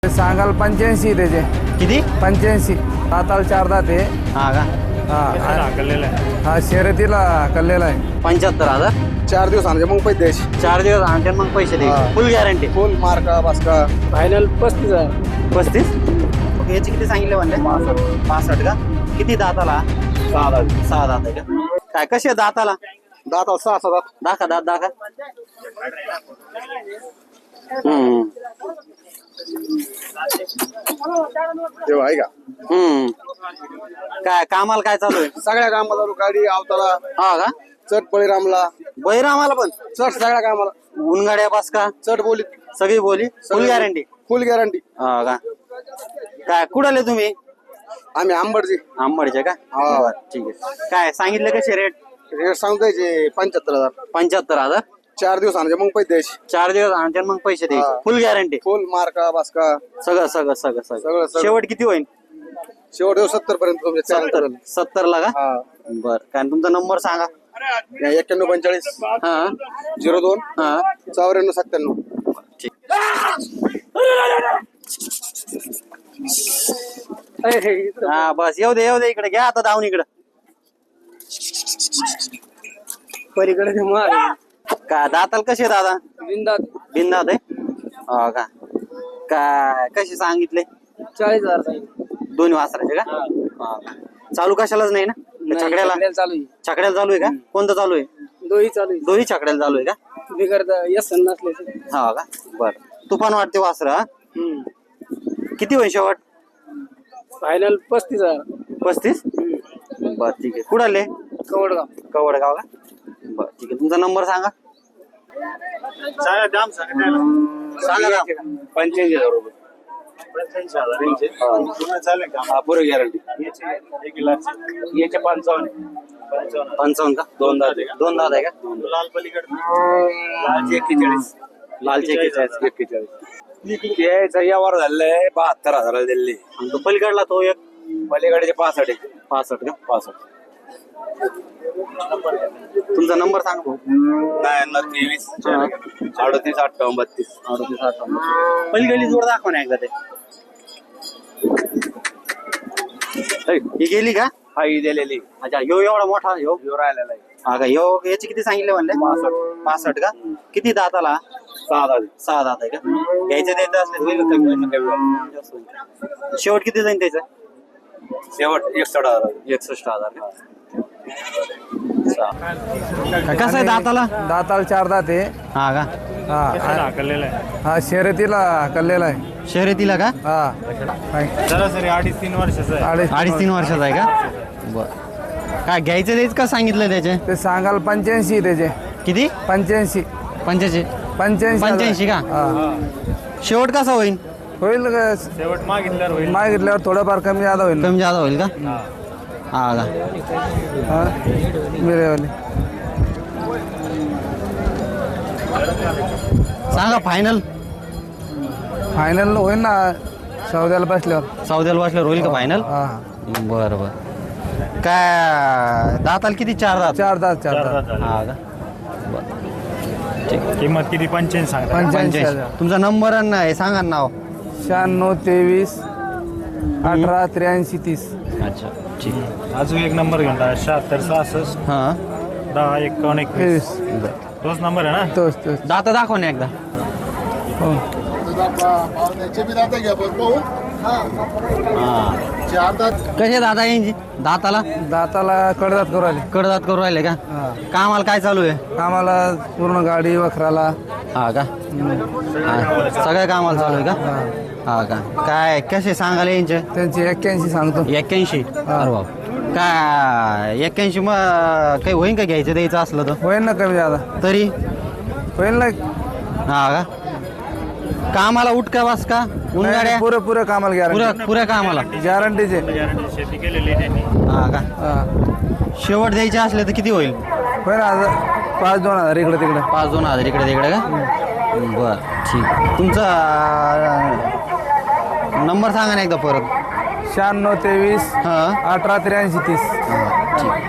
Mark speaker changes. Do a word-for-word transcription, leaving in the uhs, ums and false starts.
Speaker 1: सांगाल पंच्याऐंशी त्याचे
Speaker 2: किती
Speaker 1: पंच्याऐंशी दाताल चार दात आहे.
Speaker 2: हा का
Speaker 1: हा हा शर्यतीला कल्लेला आहे.
Speaker 2: पंच्याहत्तर हजार
Speaker 1: चार दिवस आणले मग पैसे द्यायचे.
Speaker 2: चार दिवस आणते मग पैसे दे
Speaker 1: हा.
Speaker 2: फुल गॅरंटी
Speaker 1: फुल मार्का बास्का फायनल पस्तीस आहे.
Speaker 2: पस्तीस याचे किती सांगितले म्हणले पासष्ट का किती दाताला
Speaker 1: सहा दात
Speaker 2: सहा दात आहे का काय कसे दाताला
Speaker 1: दाताल सहा सहा दात
Speaker 2: दाखा दात दाखा हम्म
Speaker 1: तेव्हा आहे का
Speaker 2: हम्म काय कामाला काय चालू आहे
Speaker 1: सगळ्या कामाला गाडी आवताला
Speaker 2: हा का
Speaker 1: चट बळीरामला
Speaker 2: बैरामाला पण
Speaker 1: चट सगळ्या कामाला
Speaker 2: उनगाड्या पास का
Speaker 1: चट बोली
Speaker 2: सगळी बोली फुल गॅरंटी
Speaker 1: फुल गॅरंटी.
Speaker 2: हा का काय कुडाले तुम्ही
Speaker 1: आम्ही आंबडची
Speaker 2: आंबडचे का
Speaker 1: हा.
Speaker 2: बरं, ठीक आहे काय सांगितले कसे रेट
Speaker 1: रेट सांगतायचे पंच्याहत्तर हजार.
Speaker 2: पंच्याहत्तर हजार
Speaker 1: चार दिवस आणले मग पैसे द्यायचे.
Speaker 2: चार दिवस आणते मग पैसे द्यायचे
Speaker 1: हा.
Speaker 2: फुल गॅरंटी
Speaker 1: फुल मार्का बास्का
Speaker 2: सगळं सगळं सगळं
Speaker 1: सगळं,
Speaker 2: सगळं
Speaker 1: सगळं.
Speaker 2: शेवट किती होईल
Speaker 1: शेवट देऊ सत्तर पर्यंत तुमच्या चार
Speaker 2: सत्तर सत्तर ला का
Speaker 1: हा
Speaker 2: बर काय तुमचा नंबर सांगा
Speaker 1: एक्क्याण्णव पंचेचाळीस
Speaker 2: हा
Speaker 1: झिरो दोन
Speaker 2: हा
Speaker 1: चौऱ्याण्णव सत्त्याण्णव.
Speaker 2: ठीक हा बस येऊ दे येऊ दे इकडे घ्या आता धावून इकडे
Speaker 1: पलीकडे
Speaker 2: का दाताल कसे दादा
Speaker 1: बिंदात
Speaker 2: बिंदात आहे हो का काय कसे सांगितले
Speaker 1: चाळीस हजार
Speaker 2: दोन्ही वासराचे का हो का चालू कशालाच नाही ना का छकड्याला
Speaker 1: चालू आहे.
Speaker 2: छकड्याला चालू आहे का कोणतं चालू आहे
Speaker 1: दोही चालू
Speaker 2: दोन्ही छकड्याला चालू आहे का
Speaker 1: आहे बिगर यस नसले
Speaker 2: हो का बर तुफान वाटते वासरा किती होईल शेवट
Speaker 1: फायनल पस्तीस हजार.
Speaker 2: पस्तीस बर ठीक आहे कुठं आले
Speaker 1: कवडगाव
Speaker 2: कवडगाव का बर ठीक आहे तुमचा नंबर सांगा सांगा ना.
Speaker 1: पंच्याऐंशी हजार रुपये पुरे गॅरंटी याचे पंचावन्न
Speaker 2: पंचावन्न का
Speaker 1: दोन दात
Speaker 2: दोन दादा आहे का
Speaker 1: लाल पलीकडे लालचे एक्केचाळीस
Speaker 2: लालचे एक्केचाळीस
Speaker 1: एक्केचाळीस याचा यावर झालेलं बहात्तर हजाराला दिले.
Speaker 2: आणि तो पलीकडला तो एक
Speaker 1: पलीकडचे पासष्ट आहे.
Speaker 2: पासष्ट का
Speaker 1: पासष्ट
Speaker 2: तुमचा नंबर सांगा भाऊ
Speaker 1: नव्याण्णव तेवीस अडतीस अठ्ठावन्न बत्तीस
Speaker 2: अडतीस अठ्ठावन्न पलीकडली जोड दाखवा ना एकदा ते ऐ, ही गेली का
Speaker 1: हा ही दिलेली
Speaker 2: अच्छा यो एवढा मोठा यो
Speaker 1: यो राहिलेला आहे
Speaker 2: हा का यो याचे किती सांगितले म्हणले
Speaker 1: पासष्ट
Speaker 2: पासष्ट का किती दाताला
Speaker 1: सहा हजार
Speaker 2: सहा दात आहे का घ्यायचं द्यायचं असले होईल का कमी होईल? जास्त होईल का? शेवट किती जाईल त्याचं
Speaker 1: शेवट एकसष्ट हजार
Speaker 2: एकसष्ट हजार का कसं आहे दाताला
Speaker 1: दाताल चार दात आहे.
Speaker 2: हा का
Speaker 1: हा
Speaker 3: कल्लेला आहे
Speaker 1: हा शर्यतीला कल्लेला आहे.
Speaker 2: शर्यतीला का
Speaker 1: हा
Speaker 3: सरासरी अडीच तीन वर्षाचा आहे
Speaker 1: अडीच
Speaker 2: अडीच तीन वर्षाचा आहे का बर काय घ्यायचं द्यायचं का सांगितलं त्याचे
Speaker 1: ते सांगाल पंच्याऐंशी त्याचे
Speaker 2: किती
Speaker 1: पंच्याऐंशी
Speaker 2: पंच्याऐंशी
Speaker 1: पंच्याऐंशी
Speaker 2: पंच्याऐंशी का
Speaker 1: हा.
Speaker 2: शेवट कसा होईल
Speaker 1: होईल का?
Speaker 3: शेवट मागितल्यावर होईल
Speaker 1: मागितल्यावर थोडंफार कमी जादा होईल.
Speaker 2: कमी जादा होईल का हा का
Speaker 1: हा मिळेल.
Speaker 2: सांगा फायनल
Speaker 1: फायनल होईल ना सौद्याला बसल्यावर.
Speaker 2: सौद्याला वाचल्यावर होईल का फायनल
Speaker 1: हा
Speaker 2: बरं बरं काय दाताल किती चार दात
Speaker 1: चार दात चार दात
Speaker 2: हा का
Speaker 3: किंमत किती पंच्याऐंशी सांगता
Speaker 1: पंच्याऐंशी
Speaker 2: पंच्याऐंशी
Speaker 1: हजार.
Speaker 2: तुमचा नंबर आणि हे सांगा ना नाव
Speaker 1: शहाण्णव तेवीस अठरा त्र्याऐंशी तीस.
Speaker 2: अच्छा ठीक आहे
Speaker 3: अजून एक नंबर घेऊन टाका शहात्तर सहासष्ट
Speaker 2: हां
Speaker 3: दहा एकावन्न एकवीस
Speaker 1: तेवीस
Speaker 3: तोच नंबर आहे ना
Speaker 1: तोच तोच
Speaker 2: दाता दाखव ना एकदा
Speaker 1: हो.
Speaker 2: हां कसे दादा यांची दाताला
Speaker 1: दाताला कडदात करू आले.
Speaker 2: कडदात करू राहिले का
Speaker 1: हा
Speaker 2: कामाला काय चालू आहे
Speaker 1: आम्हाला पूर्ण गाडी वखराला
Speaker 2: हा का हा, सगळ्या कामाला चालू आहे का हा का काय कसे सांगाले यांचे
Speaker 1: त्यांची एक्क्याऐंशी सांगतो.
Speaker 2: एक्क्याऐंशी अरे बाप काय एक्क्याऐंशी मग काही होईन का घ्यायचं द्यायचं असलं तर
Speaker 1: होईल ना कमी जादा
Speaker 2: तरी
Speaker 1: होईल ना.
Speaker 2: हा का कामाला उठ का बस का उन्हाळ्या
Speaker 1: पुरे पुरे कामाला
Speaker 2: पुऱ्या
Speaker 1: गॅरंटी
Speaker 2: पुऱ्या कामाला
Speaker 1: गॅरंटीचे.
Speaker 3: शेती केलेली आहे त्यांनी
Speaker 2: हा का
Speaker 1: हा
Speaker 2: शेवट द्यायचे असले तर किती होईल
Speaker 1: होईल ना हजार पाच दोन हजार इकडे तिकडे.
Speaker 2: पाच दोन हजार इकडे तिकडे का बर ठीक तुमचा नंबर सांगा ना एकदा परत
Speaker 1: शहाण्णव तेवीस
Speaker 2: हां
Speaker 1: अठरा त्र्याऐंशी तीस.
Speaker 2: ठीक